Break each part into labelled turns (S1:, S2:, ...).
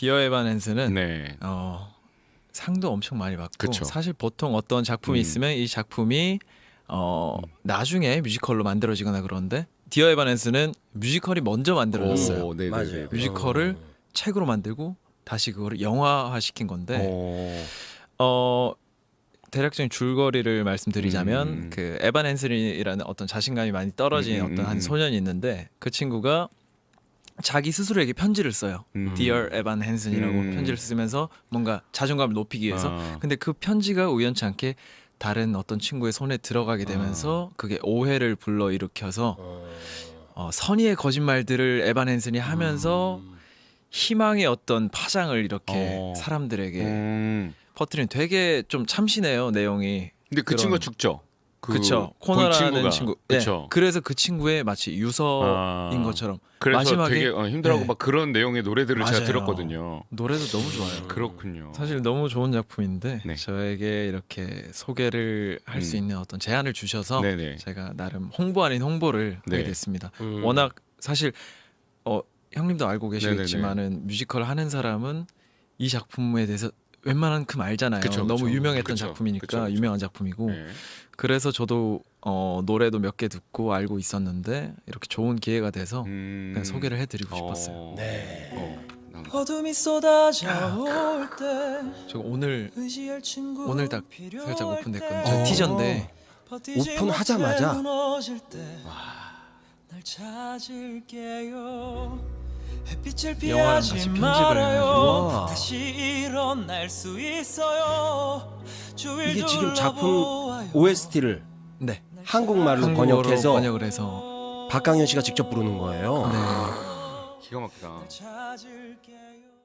S1: 디어 에반 핸슨은
S2: 네.
S1: 상도 엄청 많이 받고
S2: 그쵸.
S1: 사실 보통 어떤 작품이 있으면 이 작품이 나중에 뮤지컬로 만들어지거나 그런데 디어 에반 핸슨은 뮤지컬이 먼저 만들어졌어요.
S2: 오, 네네네.
S3: 맞아요.
S1: 뮤지컬을 책으로 만들고 다시 그거를 영화화 시킨 건데 대략적인 줄거리를 말씀드리자면 그 에반 핸슨이라는 어떤 자신감이 많이 떨어진 어떤 한 소년이 있는데 그 친구가 자기 스스로에게 편지를 써요. Dear 에반 핸슨이라고 편지를 쓰면서 뭔가 자존감을 높이기 위해서. 근데 그 편지가 우연치 않게 다른 어떤 친구의 손에 들어가게 되면서 그게 오해를 불러일으켜서 선의의 거짓말들을 에반 핸슨이 하면서 희망의 어떤 파장을 이렇게 사람들에게 퍼뜨리는 되게 좀 참신해요 내용이.
S2: 근데 그 친구가 죽죠.
S1: 그쵸. 코너라는 친구.
S2: 그쵸.
S1: 네. 그래서 그 친구의 마치 유서인 것처럼
S2: 그래서
S1: 마지막에
S2: 되게 힘들어하고
S1: 네.
S2: 막 그런 내용의 노래들을 제가
S1: 맞아요.
S2: 들었거든요.
S1: 노래도 너무 좋아요.
S2: 그렇군요.
S1: 사실 너무 좋은 작품인데
S2: 네.
S1: 저에게 이렇게 소개를 할 수 있는 어떤 제안을 주셔서
S2: 네네.
S1: 제가 나름 홍보 아닌 홍보를
S2: 네.
S1: 하게 됐습니다. 워낙 사실 형님도 알고 계시겠지만은 뮤지컬 하는 사람은 이 작품에 대해서 웬만한큼 알잖아요.
S2: 그쵸,
S1: 너무
S2: 그쵸.
S1: 유명했던
S2: 그쵸,
S1: 작품이니까
S2: 그쵸.
S1: 유명한 작품이고
S2: 네.
S1: 그래서 저도 노래도 몇 개 듣고 알고 있었는데 이렇게 좋은 기회가 돼서 그냥 소개를 해드리고 싶었어요.
S3: 네.
S4: 어둠이 쏟아져올 때
S1: 저 오늘 딱 살짝 오픈됐거든요. 저
S3: 어.
S1: 티저인데
S3: 오픈하자마자
S4: 날 찾을게요. 햇빛을
S1: 영화랑 같이
S4: 피하지
S1: 편집을
S4: 말아요.
S3: 해가지고.
S4: 다시 일어날 수 있어요. 주위를
S3: 이게 지금 작품
S4: 둘러보아요.
S3: OST를
S1: 네
S3: 한국말로
S1: 한국어로
S3: 번역해서
S1: 번역을 해서
S3: 박강현 씨가 직접 부르는 거예요.
S1: 네.
S2: 기가 막히다.
S4: 찾을게요.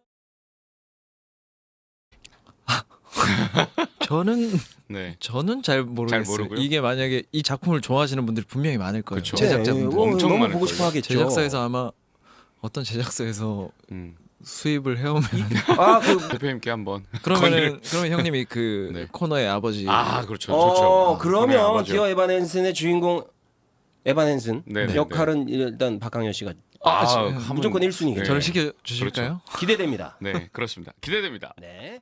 S2: 네.
S1: 저는 잘 모르겠어요.
S2: 잘 모르고요?
S1: 이게 만약에 이 작품을 좋아하시는 분들이 분명히 많을 거예요.
S2: 그쵸.
S1: 제작자분들.
S2: 엄청
S3: 너무
S2: 많을
S3: 보고
S2: 거예요.
S3: 싶어 하겠죠.
S1: 제작사에서 아마 어떤 제작사에서 수입을 해오면
S3: 그
S2: 대표님께 한번.
S1: 그러면 형님이 그
S2: 네.
S1: 코너의 아버지.
S2: 그렇죠. 좋죠.
S3: 그러면
S2: 아버지요.
S3: 디어 에반 핸슨의 주인공 에반 핸슨
S2: 네, 네,
S3: 역할은 일단 박강현 씨가 무조건 1순위겠죠.
S1: 저를 시켜 주실까요?
S3: 기대됩니다.
S2: 네, 그렇습니다. 기대됩니다.
S3: 네.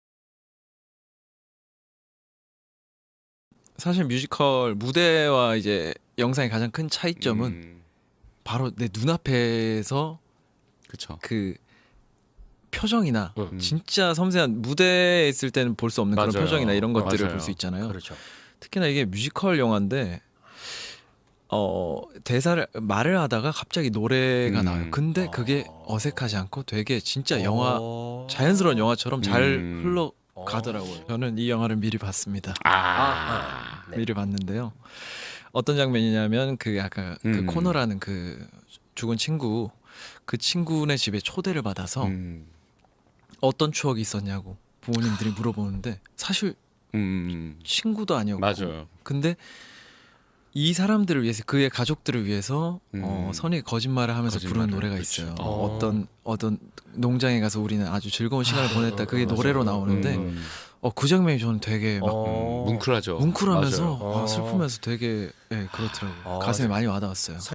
S1: 사실 뮤지컬 무대와 이제 영상의 가장 큰 차이점은 바로 내 눈앞에서
S2: 그렇죠.
S1: 그 표정이나 진짜 섬세한 무대에 있을 때는 볼 수 없는
S2: 맞아요.
S1: 그런 표정이나 이런 것들을
S2: 맞아요.
S1: 볼 수 있잖아요.
S3: 그렇죠.
S1: 특히나 이게 뮤지컬 영화인데 대사를 말을 하다가 갑자기 노래가 나와요. 근데 그게 어색하지 않고 되게 진짜 영화 자연스러운 영화처럼 잘 흘러가더라고요. 저는 이 영화를 미리 봤습니다.
S3: 네.
S1: 미리 봤는데요. 어떤 장면이냐면 그 아까 그 코너라는 그 죽은 친구 그 친구네 집에 초대를 받아서 어떤 추억이 있었냐고 부모님들이 물어보는데 사실 친구도 아니었고
S2: 맞아요.
S1: 근데 이 사람들을 위해서 그의 가족들을 위해서 선의 거짓말을 하면서 부르는 노래가
S2: 그쵸.
S1: 있어요. 어떤 농장에 가서 우리는 아주 즐거운 시간을 보냈다. 그게 노래로 나오는데 그 장면이 저는 되게 막
S2: 뭉클하죠.
S1: 뭉클하면서
S2: 맞아요.
S1: 슬프면서 되게 그렇더라고요. 가슴에 많이 와닿았어요.